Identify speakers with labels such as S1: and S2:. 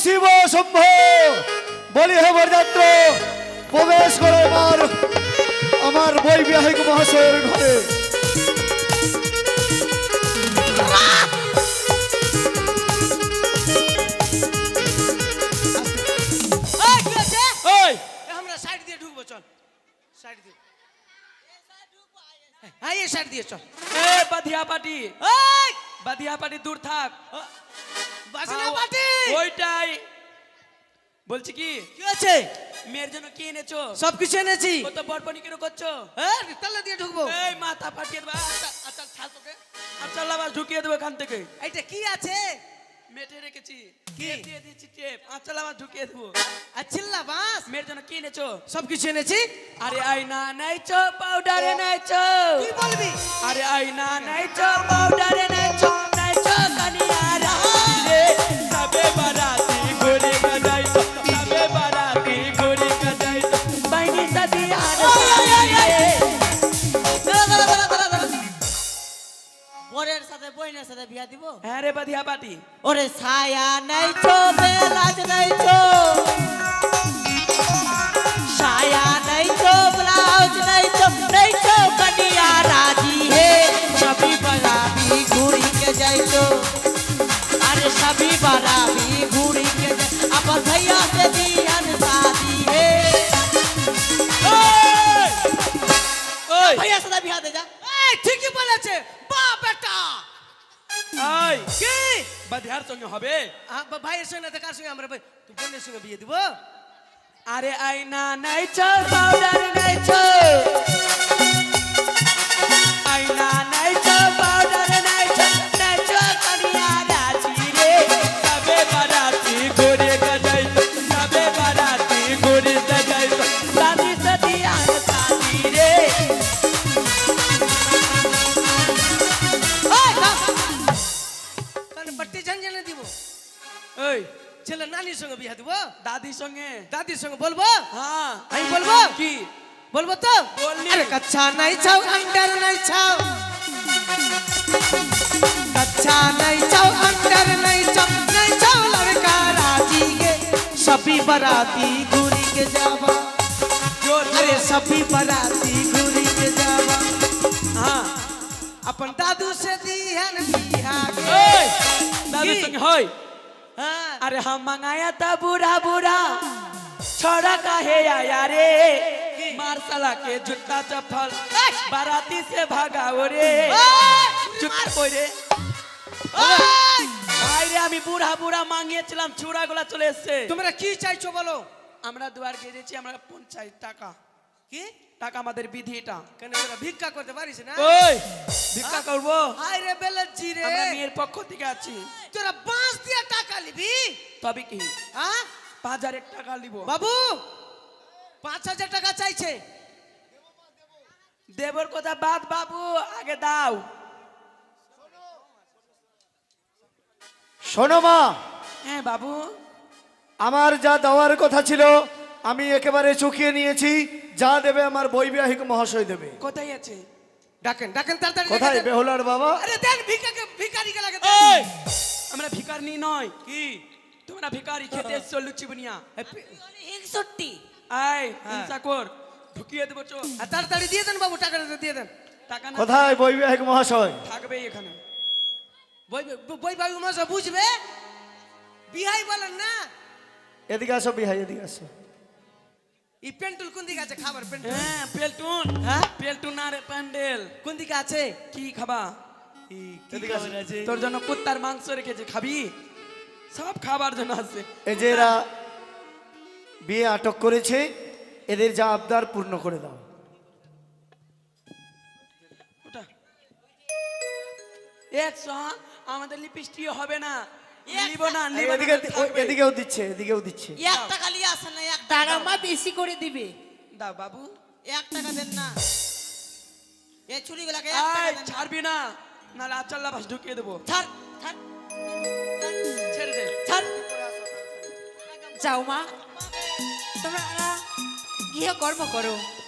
S1: শিব শম্ভ বলি হে বরযাত্র প্রবেশ করে আমার বৈবাহিক মহাশয়ের ঘরে।
S2: আমরা সাইড দিয়ে ঢুকবো, চল সাইড দিয়ে। হ্যাঁ এই সাইড দিয়ে চল।
S3: এ বাধিয়া পাটি, বাধিয়া পাটি দূর থাক।
S2: বাসনা পাটি
S3: ওইটাই বলছি। কি
S2: কি আছে?
S3: মেয়ের জন্য কি এনেছো?
S2: সবকিছু এনেছি।
S3: ও তো বরপনি কেন করছো?
S2: হ্যাঁ তালা দিয়ে ঢুকবো।
S3: এই মাথা ফাটিয়ে দেবো। আচ্ছা আচ্ছা ছাড় তোকে। আচ্ছা আবার ঢুকিয়ে দেবো এখান থেকে।
S2: এইটা কি আছে?
S3: মেটে রেখেছি।
S2: কি?
S3: টেপ দিয়ে দিয়েছি টেপ। আচ্ছা আবার ঢুকিয়ে দেবো।
S2: আর চিল্লা বাস।
S3: মেয়ের জন্য কি এনেছো?
S2: সবকিছু এনেছি।
S3: আরে আয়না নাইছো, পাউডারে নাইছো।
S2: কি বলবি?
S3: আরে আয়না নাইছো, পাউডারে নাইছো, নাইছো কানিয়ারা রে। সবে বারাতি ঘুরে গজাইতো, সবে বারাতি ঘুরে গজাইতো। বাইনি সাদিয়া রে।
S4: বরের সাথে বইনের সাথে বিয়া দিব।
S3: হ্যাঁ রে বাধিয়া পাটি।
S4: ওরে ছায়া নাইছো, বেলাজ নাইছো, ছায়া নাইছো, ব্লাউজ নাইছো, নাইছো কনিয়া রাজি হে। সবই বারাবি ঘুরি के যাইতো, আরে সবই বারাবি ঘুরি के যাই। আবার भैया से दिहन शादी हे।
S3: ওই
S4: भैया साथे बिया दे जा।
S2: এই ঠিকই বলেছে বা বেটা।
S3: ওই
S2: কি
S3: বাধিয়ার সঙ্গে হবে?
S2: ভাইয়ের সঙ্গে না কার সঙ্গে? আমরা তুই বোনের সঙ্গে বিয়ে দিব।
S3: আরে আয়না নাইছো, পাউডার নাইছো, আয়না নাইছো, পাউডার নাইছো, নাইছো কানিয়া রাজি রে। সবে বারাতি ঘুরে গজাইতো, সবে বারাতি ঘুরে গজাইতো। সাদি সাদিয়া সাদি রে।
S2: কানে পট্টি ঝনঝনে দিব।
S3: ওই
S2: ছেলে নানির সঙ্গে বিয়ে দিব।
S3: দাদির সঙ্গে।
S2: দাদির সঙ্গে বলবো।
S3: হ্যাঁ
S2: আমি বলবো।
S3: কি
S2: বলবো তো?
S3: বললি।
S2: আরে কচ্ছা নাই ছাও, अंडर নাই ছাও, कच्चा नहीं चाओ, अंडर नहीं चाओ, नहीं चाओ लड़का राजी के। सभी बराती घूरी के जावा,
S3: जोर
S2: अरे सभी बराती घूरी के जावा।
S3: हाँ
S2: अपन दादू से दिहन बिहा के।
S3: ओए दादी
S2: की?
S3: संग होय।
S2: हाँ
S3: अरे हम मंगाया था बुरा बुरा, छोड़ा काहे आया रे। मार साला के जूता चप्पल, बाराती से भागाओ रे। চুপ কই রে ভাই রে। আমি বুড়া বুড়া মাঙিয়েছিলাম, চূড়াগুলা চলে এসছে।
S2: তোমরা কি চাইছো বলো?
S3: আমরা দুয়ার গেছি, আমরা 50 টাকা।
S2: কি
S3: টাকা আমাদের বিধি এটা।
S2: কেন তোরা ভিক্ষা করতে পারিস না?
S3: ওই ভিক্ষা করবো?
S2: হাই রে বেলজি রে,
S3: আমরা মেয়ের পক্ষ থেকে আছি।
S2: তোরা বাঁশ দিয়ে টাকা নিবি?
S3: তবে কি
S2: হ্যাঁ
S3: 5000 টাকা নিব।
S2: বাবু 5000 টাকা চাইছে।
S3: দেবর কথা বাদ বাবু, আগে দাও।
S1: শোনো মা,
S3: হ্যাঁ বাবু।
S1: আমার যা দেওয়ার কথা ছিল আমি একেবারে চুকিয়ে নিয়েছি। যা দেবে আমার বৈবাহিক মহাশয় দেবে।
S3: কোথায় আছে?
S2: ডাকেন ডাকেন তাড়াতাড়ি।
S1: কোথায় বেহুলার বাবা?
S2: আরে দেন ভিক্ষাকে, ভিখারিকে লাগে।
S3: এই আমরা ভিখারি নয়। কি তোমরা ভিখারি খেতে এসছো লুচি বুনিয়া?
S4: 61
S3: আয় হিংসা কর, ঢুকিয়ে দেবো চো।
S2: তাড়াতাড়ি দিয়ে দেন বাবু, টাকাটা দিয়ে দেন।
S3: টাকা না
S1: কোথায় বৈবাহিক মহাশয়?
S3: থাকবে এখানে।
S2: বই বাবু মশা বুঝবে, বিহাই বলেন না।
S1: এদিকে আসো বিহাই, এদিকে আসো।
S2: এই পেন্টুল কোন দিকে আছে? খাবার পেন্টুল।
S3: হ্যাঁ পেলটুন।
S2: হ্যাঁ
S3: পেলটুন আর প্যান্ডেল
S2: কোন দিকে আছে?
S3: কি খাবা?
S1: এদিকে আসো।
S3: তোর জন্য কুত্তার মাংস রেখেছে, খাবি? সব খাবার জন্য আছে।
S1: এই যে এরা বিয়ে আটক করেছে, এদের যা আবদার পূর্ণ করে দাও।
S3: ওটা 100 আমাদের লিপস্টিক হবে না। নিব না, নিব না।
S1: এদিকে এদিকেও দিচ্ছে, এদিকেও দিচ্ছে।
S4: 1 টাকা লিয়ে আসেন না, 1 টাকা মা বেশি করে দিবে।
S3: দাও বাবু।
S4: 1 টাকা দেন না, এই চুরিগুলাকে 1 টাকা
S3: এই
S4: দেন।
S3: ছাড়বি না, নাহলে আচাল্লা বাস ঢুকিয়ে দেবো।
S4: ছাড় ছাড়
S3: ছেড়ে দে।
S4: ছাড়। যাও মা, তোমরা গৃহ কর্ম করো।